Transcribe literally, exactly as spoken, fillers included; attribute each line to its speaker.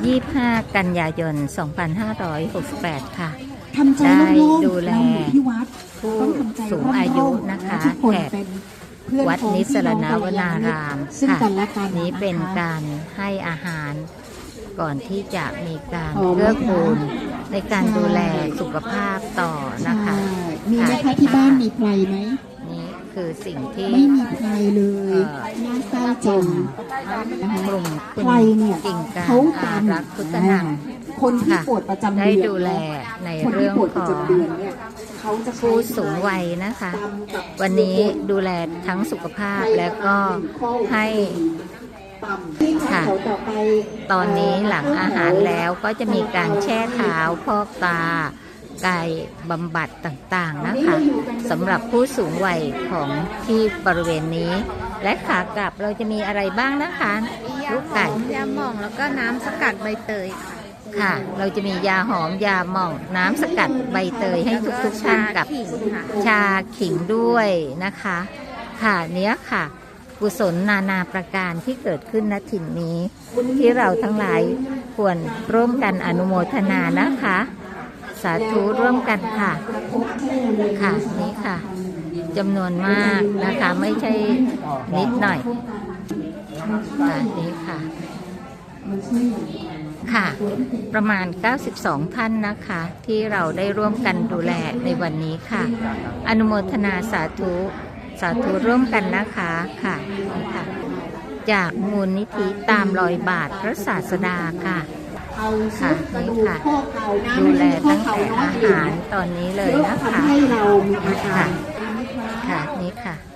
Speaker 1: ยี่สิบห้า กันยายน สองพันห้าร้อยหกสิบแปด ค่ะ
Speaker 2: ทำใจ
Speaker 1: ได้
Speaker 2: โล่ง
Speaker 1: ดู
Speaker 2: ๆ
Speaker 1: แล
Speaker 2: เราอยู่ที่วัด
Speaker 1: ผู้
Speaker 2: ต้องทำใจ
Speaker 1: สูงอายุนะคะ
Speaker 2: ทุกคน
Speaker 1: แขก
Speaker 2: เป็นเพื่อน
Speaker 1: วัด
Speaker 2: พ้อง
Speaker 1: นิสรณ
Speaker 2: พี่
Speaker 1: ว
Speaker 2: อง
Speaker 1: นาราม
Speaker 2: ซึ่ง
Speaker 1: ค่ะ
Speaker 2: กันและกัน
Speaker 1: นี้เป็น
Speaker 2: นะคะ
Speaker 1: การให้อาหารก่อนที่จะมีการ
Speaker 2: พร้อมไหม
Speaker 1: เกื้อกูล
Speaker 2: คะ
Speaker 1: ในการดูแลสุขภาพต่อนะคะ
Speaker 2: ใช่มีไหมคะที่บ้านมีใครไหม
Speaker 1: นี่คือสิ่งที่
Speaker 2: ไม่มีใครเลย
Speaker 1: เอ่อ
Speaker 2: น่าเศร้าจังนะคะ
Speaker 1: กลุ่มคุณ
Speaker 2: ใครเนี่ย
Speaker 1: กิ่งการ
Speaker 2: เขา
Speaker 1: อา
Speaker 2: ตาม
Speaker 1: รักษ์พุทธนัง
Speaker 2: คนที่
Speaker 1: ค่ะ
Speaker 2: ปวดประจำ
Speaker 1: ได้
Speaker 2: เดือน
Speaker 1: ดูแลใน
Speaker 2: คน
Speaker 1: เรื่
Speaker 2: ที่
Speaker 1: อง
Speaker 2: ปวด
Speaker 1: ข
Speaker 2: ประ
Speaker 1: อง
Speaker 2: จำเดือนเนี่ยเขาจะใช้
Speaker 1: ผู้สูงวัยนะคะ
Speaker 2: ตำกับ
Speaker 1: วันนี้ดูแลทั้งสุขภาพและก็ให้ค่ะ ตอนนี้หลังอาหารแล้วก็จะมีการแช่เท้าพอกตากายบำบัดต่างๆนะคะสำหรับผู้สูงวัยของที่บริเวณนี้ และขากลับเราจะมีอะไรบ้างนะคะลูกไก่
Speaker 3: ยาหม่องแล้วก็น้ำสกัดใบเตยค่ะ
Speaker 1: ค่ะ เราจะมียาหอมยาหม่องน้ำสกัดใบเตยให้ทุกๆท่านกับ
Speaker 3: ขิงค่ะ
Speaker 1: ชาขิงด้วยนะคะ ค่ะเนี้ยค่ะกุศลนานาประการที่เกิดขึ้นณถิ่นนี้ ที่เราทั้งหลายควรร่วมกันอนุโมทนานะคะ สาธุร่วมกันค่ะค่ะนี้ค่ะจำนวนมากนะคะไม่ใช่นิดหน่อยค่ะนี้ค่ะค่ะ ประมาณ เก้าสิบสอง ท่านนะคะ ที่เราได้ร่วมกันดูแลในวันนี้ค่ะ อนุโมทนาสาธุสาธุร่วมกันนะคะค่ะนี่ค่ะ จากมูลนิธิตามรอยบาทพระศาสดาค่ะ
Speaker 2: เอา
Speaker 1: ค่ะ
Speaker 2: กระ
Speaker 1: นี่
Speaker 2: ดูก
Speaker 1: ค่ะ
Speaker 2: ข้อเข่านะ
Speaker 1: ดูแล
Speaker 2: ไม่
Speaker 1: ตั้ง
Speaker 2: ใช่
Speaker 1: แต่
Speaker 2: ข้
Speaker 1: อา
Speaker 2: เข่
Speaker 1: หารตอนนี้เลย
Speaker 2: เพื่อ
Speaker 1: นะคะ
Speaker 2: ทำให้เรามีอาการ
Speaker 1: ค่ะนี่ค่ะ